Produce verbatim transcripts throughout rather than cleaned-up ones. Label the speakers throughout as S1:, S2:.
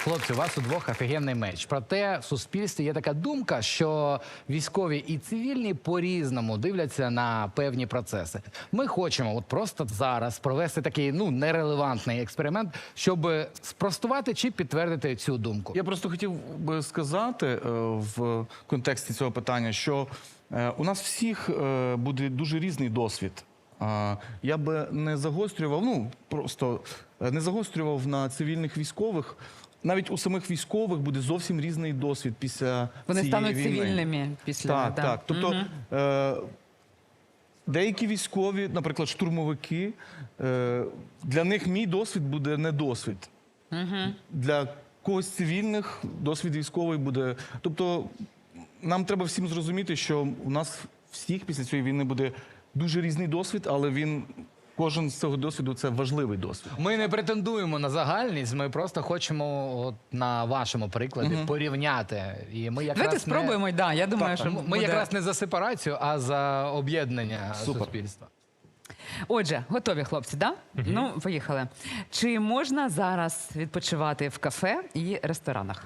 S1: Хлопці, у вас у двох офігенний меч. Проте в суспільстві є така думка, що військові і цивільні по-різному дивляться на певні процеси. Ми хочемо от просто зараз провести такий ну нерелевантний експеримент, щоб спростувати чи підтвердити цю думку.
S2: Я просто хотів би сказати е, в контексті цього питання, що е, у нас всіх е, буде дуже різний досвід. Е, я би не загострював, ну просто е, не загострював на цивільних військових. Навіть у самих військових буде зовсім різний досвід після
S3: Вони
S2: цієї
S3: стануть
S2: війни.
S3: цивільними після.
S2: Так,
S3: да.
S2: так. Тобто
S3: Угу.
S2: е, деякі військові, наприклад, штурмовики, е, для них мій досвід буде не досвід.
S3: Угу.
S2: Для когось цивільних досвід військовий буде. Тобто нам треба всім зрозуміти, що у нас всіх після цієї війни буде дуже різний досвід, але він, кожен з цього досвіду – це важливий досвід.
S1: Ми не претендуємо на загальність, ми просто хочемо от на вашому прикладі
S2: Мгм.
S1: порівняти. І ми якраз
S3: Давайте
S1: не-
S3: спробуємо, да, я думаю,
S1: Так,
S3: що
S1: ми
S3: буде...
S1: якраз не за сепарацію, а за об'єднання
S2: Супер.
S1: суспільства.
S3: Отже, готові, хлопці, да? Ну, поїхали. Чи можна зараз відпочивати в кафе і ресторанах?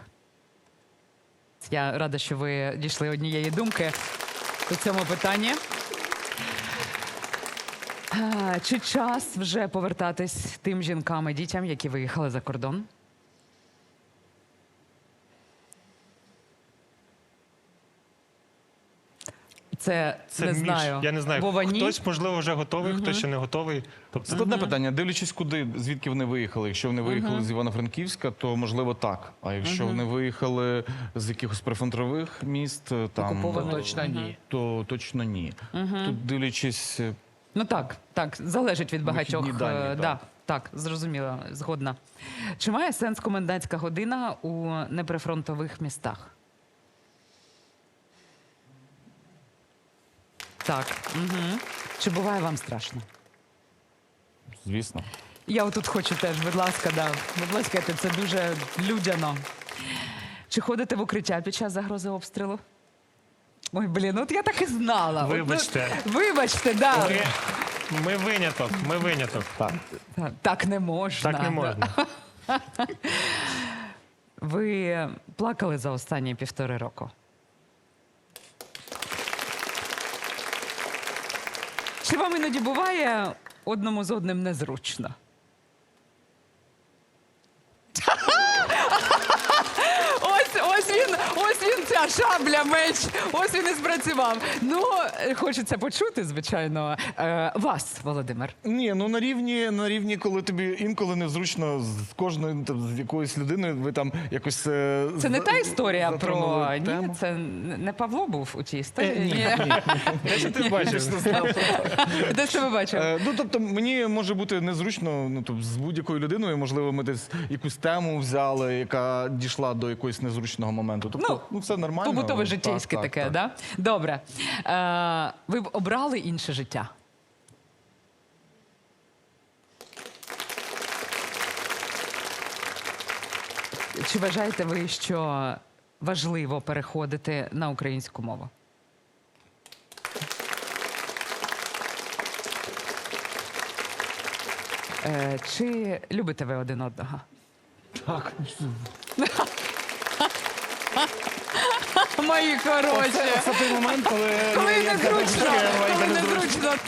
S3: Я рада, що ви дійшли однієї думки у цьому питанні. А, Чи час вже повертатись тим жінкам і дітям, які виїхали за кордон? Це,
S4: Це
S3: не
S4: між.
S3: знаю.
S4: Я не знаю,
S3: Вова, ні?
S4: хтось, можливо, вже готовий, хтось ще не готовий. Тобто,
S2: Це одне питання. Дивлячись, куди, звідки вони виїхали. Якщо вони виїхали з Івано-Франківська, то можливо так. А якщо вони виїхали з якихось прифронтових міст, там
S3: Окупованих.
S1: Ну, точно ні.
S2: то точно ні. Тут дивлячись,
S3: Ну так, так, залежить від багатьох.
S2: Вихідні дані,
S3: е,
S2: так.
S3: да, так, зрозуміло, згодна. Чи має сенс комендантська година у неприфронтових містах? Так. Угу. Чи буває вам страшно?
S2: звісно.
S3: Я отут хочу теж, будь ласка, да. Будь ласка, це дуже людяно. Чи ходите в укриття під час загрози обстрілу? Ой, блін, от я так і знала. От, ну,
S4: Вибачте.
S3: вибачте, да.
S4: ми, ми виняток, ми виняток.
S2: Так.
S3: Так, так не можна.
S4: Так не можна.
S3: Ви плакали за останні півтори року? Чи вам іноді буває одному з одним незручно? Ось, ось він, ось він, ця шабля, меч, ось він і спрацював. Ну, хочеться почути, звичайно, е, вас, Володимир.
S2: Ні, ну на рівні, на рівні, коли тобі інколи незручно з кожною там, з якоюсь людиною, ви там якось. е,
S3: Це не
S2: за-
S3: та історія про...
S2: затронули
S3: Ні,
S2: тему.
S3: це не Павло був у цій історії. Ні.
S4: Де ж ти бачив?
S3: Де ж ти ви бачив?
S2: Е, Ну, тобто, мені може бути незручно ну, тобто, з будь-якою людиною, можливо, ми десь якусь тему взяли, яка дійшла до якогось незручного моменту. Тобто,
S3: Ну,
S2: ну, все нормально.
S3: Побутове
S2: Так,
S3: життєйське
S2: так,
S3: таке,
S2: так.
S3: да? Добре. Е, ви б обрали інше життя? Чи вважаєте ви, що важливо переходити на українську мову? Е, чи любите ви один одного?
S2: Так.
S3: Мої хороші!
S2: Це той момент, коли,
S3: Коли
S2: я- я-
S3: незручно,
S2: я- я- я-
S3: коли
S2: незручно.
S3: незручно.